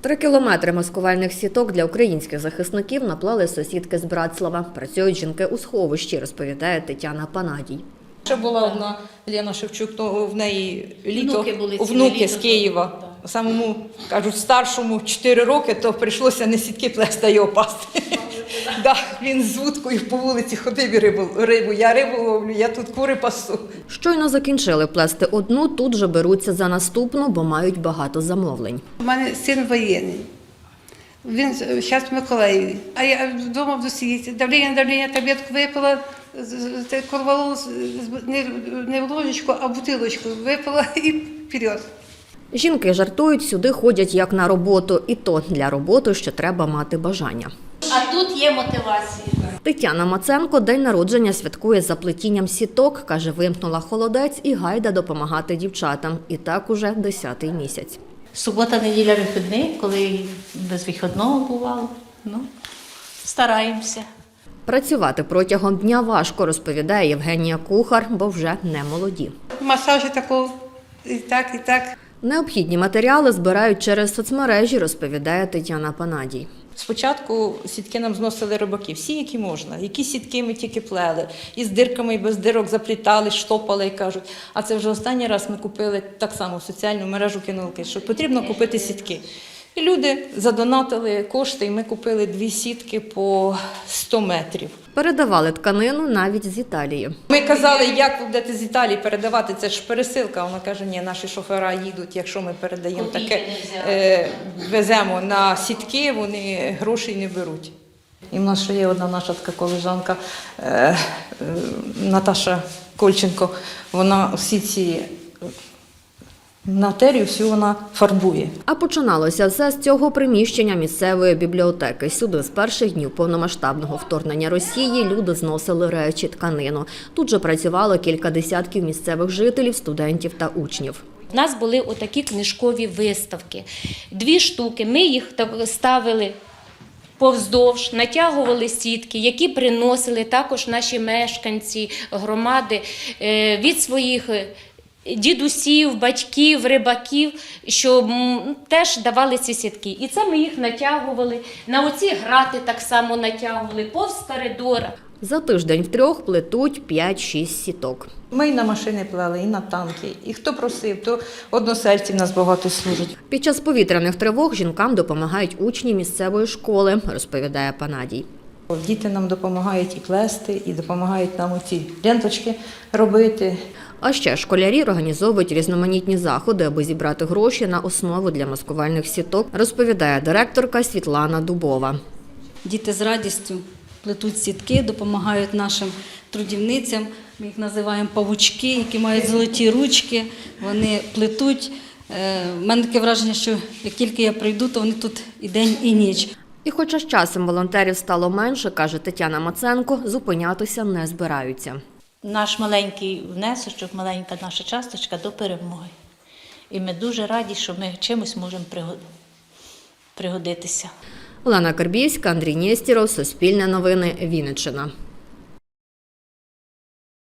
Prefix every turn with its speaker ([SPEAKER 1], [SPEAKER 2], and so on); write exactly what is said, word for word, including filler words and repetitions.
[SPEAKER 1] Три кілометри маскувальних сіток для українських захисників наплели сусідки з Братслава. Працюють жінки у сховищі, розповідає Тетяна Панадій.
[SPEAKER 2] Ще була одна Лена Шевчук, то в неї літо,
[SPEAKER 3] внуки, були
[SPEAKER 2] внуки
[SPEAKER 3] літо,
[SPEAKER 2] з Києва.
[SPEAKER 3] так.
[SPEAKER 2] Самому, кажуть, старшому чотири роки, то прийшлося не сітки плести, а його пасти. Да, він з вудкою по вулиці ходив і рибу, рибу. Я рибу ловлю, я тут кури пасу.
[SPEAKER 1] Щойно закінчили плести одну, тут же беруться за наступну, бо мають багато замовлень.
[SPEAKER 4] У мене син воєнний. Він зараз в Миколаєві. А я вдома в досі давлення, давлення, таблетку випила, корвалол не в ложечку, а в бутилочку випила і вперед.
[SPEAKER 1] Жінки жартують, сюди ходять як на роботу. І то для роботи ще треба мати бажання.
[SPEAKER 3] А тут є мотивація.
[SPEAKER 1] Тетяна Маценко день народження святкує за плетінням сіток. Каже, вимкнула холодець і гайда допомагати дівчатам. І так уже десятий місяць.
[SPEAKER 3] Субота, неділя, вихідний, коли без вихідного бувало. Ну, стараємося.
[SPEAKER 1] Працювати протягом дня важко, розповідає Євгенія Кухар, бо вже не молоді.
[SPEAKER 4] Масажі такого, і так, і так.
[SPEAKER 1] Необхідні матеріали збирають через соцмережі, розповідає Тетяна Панадій.
[SPEAKER 2] Спочатку сітки нам зносили рибаки, всі, які можна. Які сітки ми тільки плели. І з дирками, і без дирок заплітали, штопали, і кажуть. А це вже останній раз ми купили так само в соціальну мережу кинулки, що потрібно купити сітки. І люди задонатили кошти, і ми купили дві сітки по сто метрів.
[SPEAKER 1] Передавали тканину навіть з Італії.
[SPEAKER 2] Ми казали, як ви будете з Італії передавати, це ж пересилка. Вона каже, ні, наші шофера їдуть, якщо ми передаємо таке, е, веземо на сітки, вони грошей не беруть. І в нас ще є одна наша така колежанка, е, е, Наташа Кольченко, вона всі ці матерію всю вона фарбує.
[SPEAKER 1] А починалося все з цього приміщення місцевої бібліотеки. Сюди з перших днів повномасштабного вторгнення Росії люди зносили речі, тканину. Тут же працювало кілька десятків місцевих жителів, студентів та учнів.
[SPEAKER 5] У нас були отакі книжкові виставки. Дві штуки. Ми їх ставили повздовж, натягували сітки, які приносили також наші мешканці громади від своїх дідусів, батьків, рибаків, що теж давали ці сітки. І це ми їх натягували, на оці грати так само натягували, повз коридора.
[SPEAKER 1] За тиждень втрьох плетуть п'ять-шість сіток.
[SPEAKER 2] Ми і на машини плели, і на танки. І хто просив, то односельці в нас багато служать.
[SPEAKER 1] Під час повітряних тривог жінкам допомагають учні місцевої школи, розповідає Панадій.
[SPEAKER 2] Діти нам допомагають і плести, і допомагають нам оці ленточки робити.
[SPEAKER 1] А ще школярі організовують різноманітні заходи, аби зібрати гроші на основу для маскувальних сіток, розповідає директорка Світлана Дубова.
[SPEAKER 6] Діти з радістю плетуть сітки, допомагають нашим трудівницям. Ми їх називаємо павучки, які мають золоті ручки. Вони плетуть. У мене таке враження, що як тільки я прийду, то вони тут і день, і ніч.
[SPEAKER 1] І хоча з часом волонтерів стало менше, каже Тетяна Маценко, зупинятися не збираються.
[SPEAKER 3] Наш маленький внесочок, маленька наша часточка до перемоги. І ми дуже раді, що ми чимось можемо пригодитися.
[SPEAKER 1] Олена Карбівська, Андрій Нєстєров, Суспільне новини, Вінниччина.